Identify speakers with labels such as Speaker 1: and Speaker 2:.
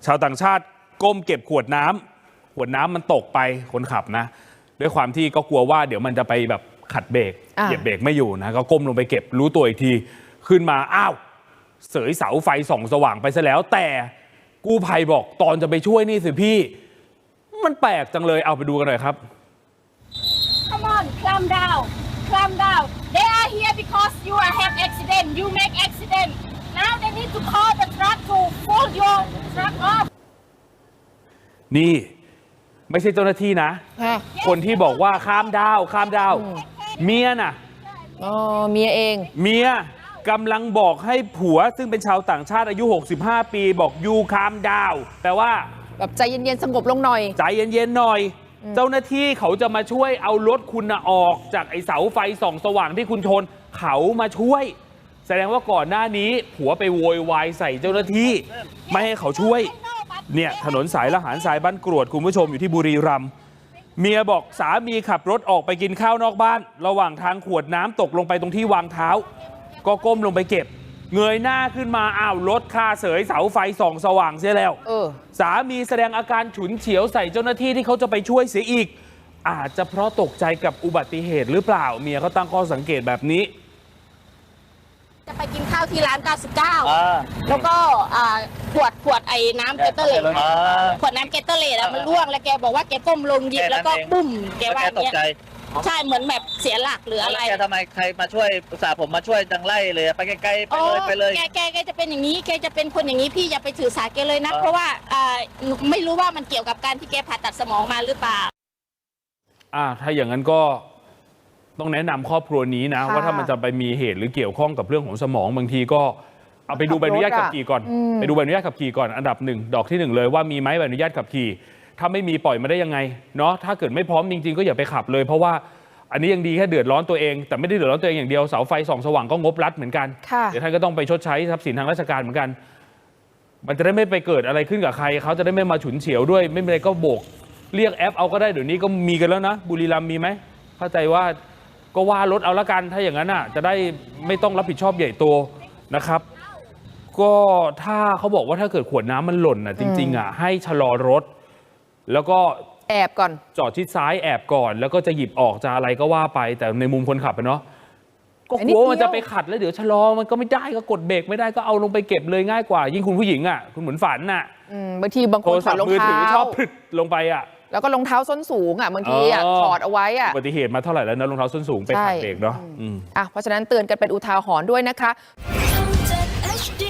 Speaker 1: ชาวต่างชาติก้มเก็บขวดน้ำมันตกไปคนขับนะด้วยความที่ก็กลัวว่าเดี๋ยวมันจะไปแบบขัดเบรกเหยียบเบรกไม่อยู่นะก็ก้มลงไปเก็บรู้ตัวอีกทีขึ้นมาอ้าวเสยเสาไฟส่องสว่างไปซะแล้วแต่กู้ภัยบอกตอนจะไปช่วยนี่สิพี่มันแปลกจังเลยเอาไปดูกันหน่อยครับ
Speaker 2: Come on, calm down, calm down. They are here because you have accident. You make accident. Now they need to call the truck to pull your truck off.
Speaker 1: นี่ไม่ใช่เจ้าหน้าที่นะคนที่บอกว่าข้ามดาวเมียน่ะ
Speaker 3: เมียเอง
Speaker 1: เมียกำลังบอกให้ผัวซึ่งเป็นชาวต่างชาติอายุ65ปีบอกยูคามดาวแปลว่า
Speaker 3: แบบใจเย็นๆสงบลงหน่อย
Speaker 1: ใจเย็นๆหน่อยเจ้าหน้าที่เขาจะมาช่วยเอารถคุณออกจากไอ้เสาไฟส่องสว่างที่คุณชนเขามาช่วยแสดงว่าก่อนหน้านี้ผัวไปโวยวายใส่เจ้าหน้าที่ไม่ให้เขาช่วยเนี่ยถนนสายละหารสายบ้านกรวดคุณผู้ชมอยู่ที่บุรีรัมย์เมียบอกสามีขับรถออกไปกินข้าวนอกบ้านระหว่างทางขวดน้ำตกลงไปตรงที่วางเท้าก็ก้มลงไปเก็บเงยหน้าขึ้นมาอ้าวรถคาเสยเสาไฟส่องสว่างเสียแล้วสามีแสดงอาการฉุนเฉียวใส่เจ้าหน้าที่ที่เขาจะไปช่วยเสียอีกอาจจะเพราะตกใจกับอุบัติเหตุหรือเปล่าเมียเขาตั้งข้อสังเกตแบบนี้
Speaker 2: จะไปกินข้าวที่ร้าน99แล้วก็ขวดไอ้น้ำเกตเตอร์เลดขวดน้ำเกตเตอร์เลดมันร่วงแล้วแกบอกว่าแกก้มลงหยิบแล้วก็ปุ้มแกว่าอย่างเงี้ยใช่เหมือนแบบเสียหลักหรืออะไร
Speaker 4: แกทำไมใครมาช่วยอุตส่าห์ผมมาช่วยจังไล่เลยไปไกลๆไปเลย
Speaker 2: แกจะเป็นอย่างนี้แกจะเป็นคนอย่างนี้พี่อย่าไปถือสาแกเลยนะเพราะว่าไม่รู้ว่ามันเกี่ยวกับการที่แกผ่าตัดสมองมาหรือเปล่า
Speaker 1: ถ้าอย่างนั้นก็ต้องแนะนำครอบครัวนี้นะว่าถ้ามันจะไปมีเหตุหรือเกี่ยวข้องกับเรื่องของสมองบางทีก็เอาไปดูใบอนุญาตขับขี่ก่อนไปดูใบอนุญาตขับขี่ก่อนอันดับ1ดอกที่1เลยว่ามีไหมใบอนุญาตขับขี่ถ้าไม่มีปล่อยมาได้ยังไงเนาะถ้าเกิดไม่พร้อมจริงๆก็อย่าไปขับเลยเพราะว่าอันนี้ยังดีแค่เดือดร้อนตัวเองแต่ไม่ได้เดือดร้อนตัวเองอย่างเดียวเสาไฟส่องสว่างก็งบรัฐเหมือนกันเดี๋ยวท่านก็ต้องไปชดใช้ทรัพย์สินทางราชการเหมือนกันมันจะได้ไม่ไปเกิดอะไรขึ้นกับใครเขาจะได้ไม่มาฉุนเฉียวด้วยไม่เป็นไรก็โบกเรียกแอปเอาก็ได้เดี๋ยวนี้ก็มีกันแล้วนะบุรีรัมย์มีไหมเข้าใจว่าก็ว่ารถเอาละกันถ้าอย่างนั้นจะได้ไม่ต้องรับผิดชอบใหญ่โตนะครับก็ถ้าเขาบอกว่าถ้าเกิดขวดน้ำมันหล่นจริงๆให้ชะลอรถแล้วก็
Speaker 3: แอบก่อน
Speaker 1: จอดชิดซ้ายแอบก่อนแล้วก็จะหยิบออกจะอะไรก็ว่าไปแต่ในมุมคนขับเนาะก็กลัวมันจะไปขัดแล้วเดี๋ยวชะลอมันก็ไม่ได้ก็กดเบรกไม่ได้ก็เอาลงไปเก็บเลยง่ายกว่ายิ่งคุณผู้หญิงคุณเหมือนฝัน
Speaker 3: บางทีบางคนถอดรองเท้า
Speaker 1: ชอบผึดลงไป
Speaker 3: แล้วก็รองเท้าส้นสูงบางทีถอดเอาไว้
Speaker 1: อุบัติเหตุมาเท่าไหร่แล้วนะรองเท้าส้นสูงไปขัดเบรกเนาะ
Speaker 3: เพราะฉะนั้นเตือนกันเป็นอุทาหรณ์ด้วยนะคะ